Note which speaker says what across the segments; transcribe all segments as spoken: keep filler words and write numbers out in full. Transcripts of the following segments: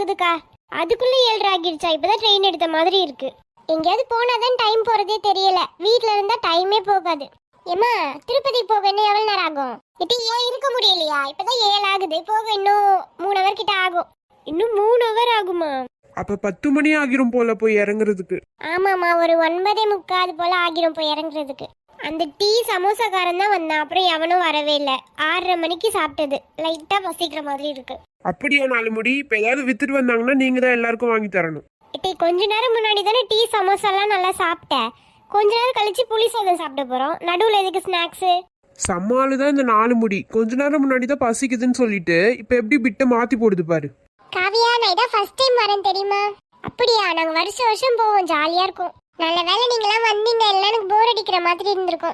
Speaker 1: போகுதுக்கா. அதுக்குள்ள ஏழரை ஆகிடுச்சா? இப்பதான் ட்ரெயின் எடுத்த மாதிரி இருக்கு. எங்கேயாவது போனாதான் டைம் போறதே தெரியல. வீட்ல இருந்தா டைமே போகாது. ஏமா திருப்பதி போக இன்னும் எவ்வளவு நேரம் ஆகும்? இட்டி ஏன் இருக்க முடியலையா? இப்பதான் ஏழு ஆகுது. போக இன்னும் மூணு ஹவர் கிட்ட ஆகும்.
Speaker 2: இன்னும் மூணு ஹவர் ஆகுமா?
Speaker 3: அப்ப பத்து மணி ஆகிரும் போல போய் இறங்குறதுக்கு.
Speaker 1: ஆமாமா, ஒரு ஒன்பதே முக்காது போல ஆகிரும் போய் இறங்குறதுக்கு. அந்த டீ சமோசாக்காரன் தான் வந்தான். அப்புறம் எவனும் வரவே இல்லை. ஆறரை மணிக்கு சாப்பிட்டது. லைட்டா பசிக்கிற மாதிரி இருக்கு.
Speaker 3: அப்படியா நாலு முடி? இப்ப ஏதாவது வித்துட்டு வந்தாங்கன்னா நீங்க தான் எல்லாருக்கும் வாங்கி தரணும்.
Speaker 1: இப்போ கொஞ்ச நேரம் முன்னாடி தானே டீ சமோசாலாம் நல்லா சாப்பிட்டேன். கொஞ்ச நேரம் கழிச்சு புளி சாதம் சாப்பிட போறோம். நடுவில் எதுக்கு ஸ்நாக்ஸ்?
Speaker 3: சம்மாலு தான் இந்த நாலு முடி. கொஞ்ச நேரம் முன்னாடி தான் பசிக்குதுன்னு சொல்லிட்டு இப்ப எப்படி பிட்ட மாத்தி போடுது பாரு.
Speaker 1: காவியா, நான் இதான் ஃபர்ஸ்ட் டைம் வரேன் தெரியுமா? அப்படியா? நாங்க வருஷம் வருஷம் போவோம், ஜாலியா இருக்கும். நல்ல வேளை நீங்களாம் வந்தீங்க, எல்லாம் எனக்கு போர் அடிக்கிற மாதிரி இருந்திருக்கும்.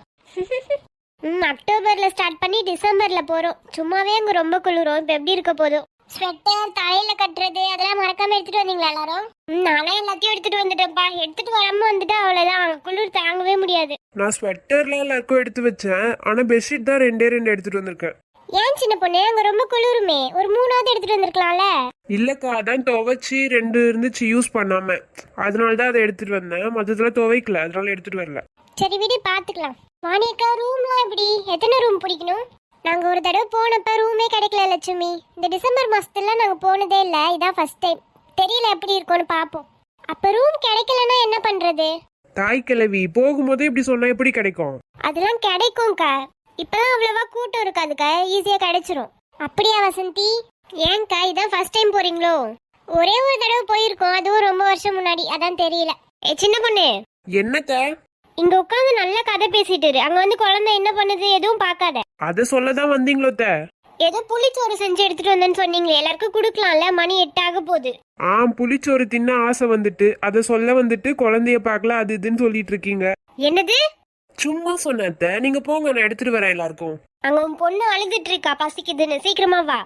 Speaker 1: ம் அக்டோபர்ல ஸ்டார்ட் பண்ணி டிசம்பர்ல போறோம். சும்மாவே அங்க ரொம்ப குளிரும். இப்ப எப்படி இருக்க போதும்? ஸ்வெட்டர் தலையில கட்டுறது அதெல்லாம் மறக்காம எடுத்துட்டு வந்தீங்களா எல்லாரும்? நானே எல்லாத்தையும் எடுத்துட்டு வந்துட்டேன்ப்பா. எடுத்துட்டு வராம வந்துட்டா அவ்வளவுதான், குளிர் தாங்கவே முடியாது.
Speaker 3: நான் ஸ்வெட்டர்லாம் எல்லாருக்கும் எடுத்து வச்சேன். ஆனா பெட்ஷீட் தான் ரெண்டே ரெண்டு எடுத்துட்டு வந்திருக்கேன்.
Speaker 1: ஏன் சின்ன பொண்ணு, அங்க ரொம்ப குளிருமே, ஒரு மூணாவது எடுத்துட்டு வந்திருக்கலாம்ல.
Speaker 3: இல்லக்கா, அதான் துவைச்சி ரெண்டு இருந்துச்சு யூஸ் பண்ணாம, அதனாலதான் அதை எடுத்துட்டு வந்தேன். மொத்தத்துல துவைக்கல, அதனால எடுத்துட்டு வரல.
Speaker 1: சரி விடு, பாத்துக்கலாம். வாணியக்கா, ரூம்லாம் எப்படி? எத்தனை ரூம் பிடிக்கணும்? நாங்க ஒரு தடவை போனப்ப ரூமே கிடைக்கல லட்சுமி. இந்த டிசம்பர் மாசத்துல நாங்க போனதே இல்ல, இதான் ஃபர்ஸ்ட் டைம். தெரியல எப்படி இருக்கும்னு பாப்போம். அப்ப ரூம் கிடைக்கலன்னா என்ன பண்றது?
Speaker 3: தாய் கிழவி, போகும்போதே இப்படி சொன்னா எப்படி கிடைக்கும்?
Speaker 1: அதெல்லாம் கிடைக்கும்க்கா. இப்பெல்லாம் அவ்வளவா கூட்டம் இருக்காதுக்கா, ஈஸியா கிடைச்சிரும். அப்படியா வசந்தி? ஏன்க்கா, இதான் ஃபர்ஸ்ட் டைம் போறீங்களோ? ஒரே ஒரு தடவை போயிருக்கோம், அதுவும் ரொம்ப வருஷம் முன்னாடி, அதான் தெரியல. ஏ சின்ன பொண்ணு,
Speaker 3: என்னக்கா?
Speaker 1: இங்க உட்காந்து நல்ல கதை பேசிட்டு இரு. அங்க வந்து குழந்தை என்ன பண்ணுது எதுவும் பாக்காத.
Speaker 3: அத சொல்லதான் வந்தீங்களோ?
Speaker 1: ஏதோ புளிச்சோறு செஞ்சு எடுத்துட்டு வந்தேன்னு சொன்னீங்களே, எல்லாருக்கும் குடுக்கலாம்ல. மணி எட்டு ஆக போகுது.
Speaker 3: ஆ, புளிச்சோறு தின்ன ஆசை வந்துட்டு அத சொல்ல வந்துட்டு குழந்தைய பாக்கல அது இதுன்னு சொல்லிட்டு இருக்கீங்க.
Speaker 1: என்னது?
Speaker 3: சும்மா சொன்னத. நீங்க போங்க, நான் எடுத்துட்டு வரேன் எல்லாருக்கும்.
Speaker 1: அங்க உன் பொண்ணு அழுதுட்டு இருக்கா, பசிக்குதுன்னு. சீக்கிரமா வா.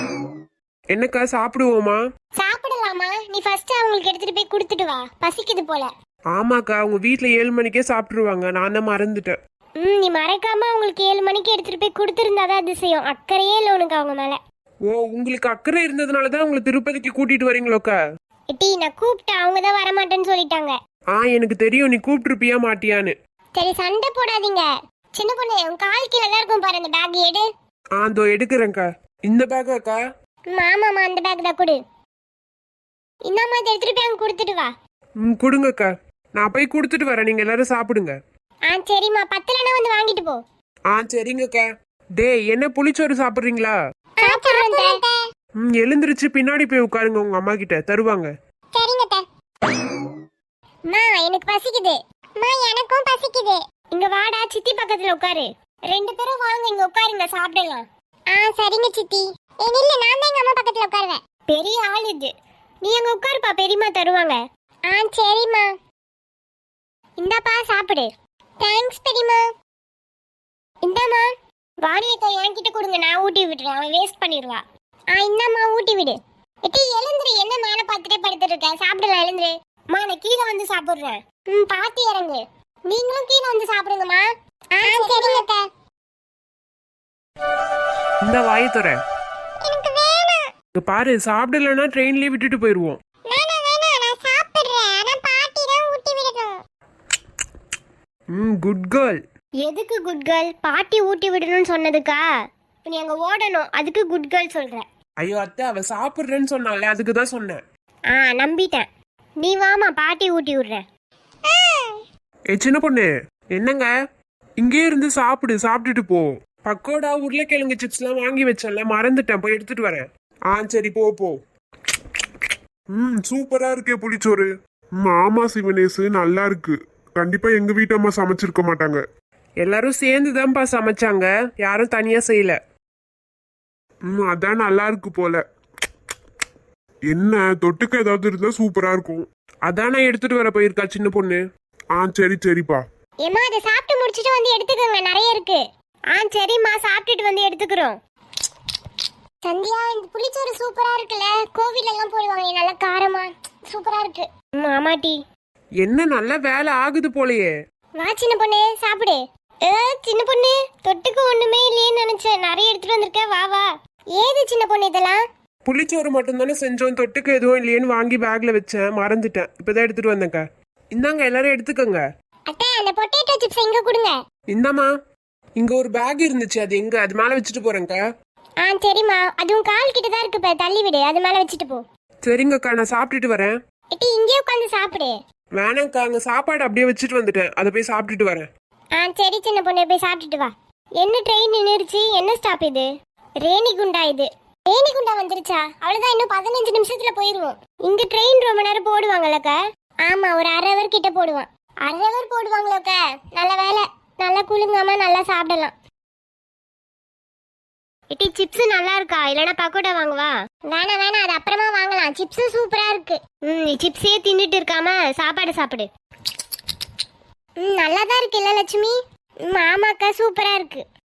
Speaker 3: என்னக்கா, சாப்பிடுவோமா?
Speaker 1: சாப்பிடலாமா? நீ ஃபர்ஸ்ட் அவங்களுக்கு எடுத்துட்டு போய் கொடுத்துட்டு வா, பசிக்குது போல.
Speaker 3: ஆமாக்கா, உங்க வீட்டுல ஏழு மணிக்கே சாப்பிட்டுருவாங்க. நான் தான் மறந்துட்டேன்.
Speaker 1: ம் நீ மறக்காம அவங்களுக்கு ஏழு மணிக்கு எடுத்துட்டு போய் கொடுத்துருந்தாதான் அதிசயம். அக்கறையே இல்லை உனக்கு அவங்க மேல.
Speaker 3: ஓ, உங்களுக்கு அக்கறை இருந்ததுனாலதான் உங்களை திருப்பதிக்கு கூட்டிட்டு வரீங்களோக்கா?
Speaker 1: எட்டி, நான் கூப்பிட்டேன், அவங்க தான் வரமாட்டேன்னு சொல்லிட்டாங்க.
Speaker 3: ஆ, எனக்கு தெரியும் நீ கூப்பிட்டுருப்பியா மாட்டியான்னு.
Speaker 1: சரி, சண்டை போடாதீங்க. சின்ன பொண்ணு, உன் கால் கீழே தான் இருக்கும் பாரு, அந்த பேக் எடு.
Speaker 3: ஆ, இதோ எடுக்கிறேன்க்கா. இந்த பேக்காக்கா?
Speaker 1: ஆமாமா, அந்த பேக் தான் கொடு. இந்தாம்மா, இதை எடுத்துட்டு போய் அங்க கொடுத்துட்டு வா.
Speaker 3: ம், கொடுங்கக்கா. நான் போய் கொடுத்துட்டு வரேன், நீங்க எல்லாரும் சாப்பிடுங்க.
Speaker 1: ஆ சரிம்மா, பத்துலனா வந்து வாங்கிட்டு போ.
Speaker 3: ஆ சரிங்கக்கா. டேய், என்ன புளிச்சோறு சாப்பிடுறீங்களா? ம், எழுந்திருச்சு பின்னாடி போய் உட்காருங்க, உங்க அம்மா கிட்ட தருவாங்க.
Speaker 1: சரிங்க அத்தை. அம்மா, எனக்கு பசிக்குது. அம்மா, எனக்கும் பசிக்குது. இங்க வாடா, சித்தி பக்கத்துல உட்காரு. ரெண்டு பேரும் வாங்க, இங்க உட்காருங்க, சாப்பிடலாம். ஆ சரிங்க சித்தி. ஏ நில்லு, நான் தான் எங்க அம்மா பக்கத்துல உட்காருவேன். பெரிய ஆள் இது. நீ அங்க உட்காருப்பா, பெரியம்மா தருவாங்க. ஆ சரிம்மா. இந்தாப்பா சாப்பிடு. தேங்க்ஸ் பெரியம்மா. இந்தாம்மா. வாணியக்கா என்கிட்ட கொடுங்க, நான் ஊட்டி விடுறேன், அவன் வேஸ்ட் பண்ணிடுவா. ஆ இந்தாம்மா, ஊட்டி விடு. எட்டி எழுந்துரு, என்ன மேலே பார்த்துட்டே படுத்துட்டு இருக்க? சாப்பிடலாம், எழுந்துரு. அம்மா, நான் கீழே வந்து சாப்பிடுறேன். ம் பாத்து இறங்கு. நீங்களும் கீழே வந்து சாப்பிடுங்கம்மா. ஆ சரிங்க அத்தை.
Speaker 3: இந்த வாயை தர.
Speaker 1: எனக்கு வேணாம்.
Speaker 3: இங்க பாரு, சாப்பிடலன்னா ட்ரெயின்லயே விட்டுட்டு போயிருவோம்.
Speaker 1: வேணாம் வேணாம், நான் சாப்பிடுறேன். ஆனா பாட்டி தான் ஊட்டி விடணும்.
Speaker 3: ம், குட் கேர்ள்.
Speaker 1: எதுக்கு குட் கேர்ள்? பாட்டி ஊட்டி விடணும்னு சொன்னதுக்கா? நீ அங்க ஓடணும், அதுக்கு குட் கேர்ள் சொல்ற.
Speaker 3: ஐயோ அத்தை, அவ சாப்பிடுறேன்னு சொன்னால, அதுக்கு தான் சொன்னேன்.
Speaker 1: ஆ நம்பிட்டேன். நீ வாமா, பாட்டி ஊட்டி விடுறேன்.
Speaker 3: ஏ சின்ன பொண்ணு, என்னங்க? இங்கே இருந்து சாப்பிடு, சாப்பிட்டுட்டு போ. பக்கோடா உருளைக்கிழங்கு சிப்ஸ் எல்லாம் வாங்கி வச்சேன்ல, மறந்துட்டேன், போய் எடுத்துட்டு வரேன். ஆ சரி, போ போ.
Speaker 4: ம் சூப்பரா இருக்கே புளிச்சோறு. ம் ஆமா சிவனேசு, நல்லா இருக்கு. கண்டிப்பா எங்க வீட்டு அம்மா சமைச்சிருக்க மாட்டாங்க.
Speaker 3: எல்லாரும் சேர்ந்து தான்ப்பா சமைச்சாங்க, யாரும் தனியா செய்யல.
Speaker 4: ம் அதான் நல்லா இருக்கு போல. என்ன தொட்டுக்க ஏதாவது இருந்தா சூப்பரா இருக்கும்.
Speaker 3: அதான் நான் எடுத்துட்டு வர போயிருக்கா சின்ன பொண்ணு.
Speaker 4: ஆ சரி சரிப்பா.
Speaker 1: ஏமா, அதை சாப்பிட்டு முடிச்சிட்டு வந்து எடுத்துக்கோங்க, நிறைய இருக்கு. ஆ சரிம்மா, சாப்பிட்டுட்டு வந்து எடுத்துக்கிறோம். சந்தியா, இந்த புளிச்சோறு சூப்பரா இருக்குல்ல? கோவில எல்லாம் போடுவாங்க, நல்லா காரமா சூப்பரா இருக்கு. ஆமாட்டி.
Speaker 3: என்ன நல்ல வேலை ஆகுது போலயே.
Speaker 1: வா சின்ன பொண்ணு, சாப்பிடு. ஏ சின்ன பொண்ணு, தொட்டுக்கு ஒண்ணுமே இல்லையே நினைச்சேன், நிறைய எடுத்துட்டு வந்திருக்க. வா வா. ஏது சின்ன பொண்ணு இதெல்லாம்?
Speaker 3: புளிச்சோறு மட்டும்தானே செஞ்சோம், தொட்டுக்கு எதுவும் இல்லையேன்னு வாங்கி பேக்ல வச்சேன், மறந்துட்டேன். இப்பதான் எடுத்துட்டு வந்தேங்க. இந்தாங்க எல்லாரும் எடுத்துக்கோங்க.
Speaker 1: அத்தை அந்த பொட்டேட்டோ சிப்ஸ் எங்க கொடுங்க.
Speaker 3: இந்தாம்மா, இங்க ஒரு பேக் இருந்துச்சு, அது எங்க? அது மேல வச்சுட்டு போறேங்க.
Speaker 1: ஆ சரிம்மா, அதுவும் கால் கிட்ட தான் இருக்கு, தள்ளி விடு, அது மேல வச்சுட்டு போ.
Speaker 3: சரிங்கக்கா, நான் சாப்பிட்டுட்டு வரேன்.
Speaker 1: எட்டி இங்கே உட்காந்து சாப்பிடு.
Speaker 3: வேணாங்க்கா, அங்க சாப்பாடு அப்படியே வச்சுட்டு வந்துட்டேன், அதை போய் சாப்பிட்டுட்டு வரேன்.
Speaker 1: ஆ சரி சின்ன பொண்ணு, போய் சாப்பிட்டுட்டு வா. என்ன ட்ரெயின் நின்றுச்சு? என்ன ஸ்டாப் இது? ரேணிகுண்டா இது. ரேணிகுண்டா வந்துருச்சா? அவ்வளவுதான், இன்னும் பதினஞ்சு நிமிஷத்துல போயிருவோம். இங்க ட்ரெயின் ரொம்ப நேரம் போடுவாங்கல்லக்கா? ஆமா, ஒரு அரை ஹவர் கிட்ட போடுவான். அரை ஹவர் போடுவாங்களோக்கா? நல்ல வேலை, நல்லா குளுங்காம நல்லா சாப்பிடலாம். எட்டி சிப்ஸ் நல்லா இருக்கா? இல்லனா பக்கோடா வாங்குவா? வேணாம் வேணாம், அது அப்புறமா வாங்கலாம். சிப்ஸ் சூப்பரா இருக்கு. ம் நீ சிப்ஸே தின்னுட்டு இருக்காம சாப்பாடு சாப்பிடு. ம் நல்லா தான் இருக்கு இல்ல லட்சுமி? ம் ஆமாக்கா, சூப்பரா இருக்கு.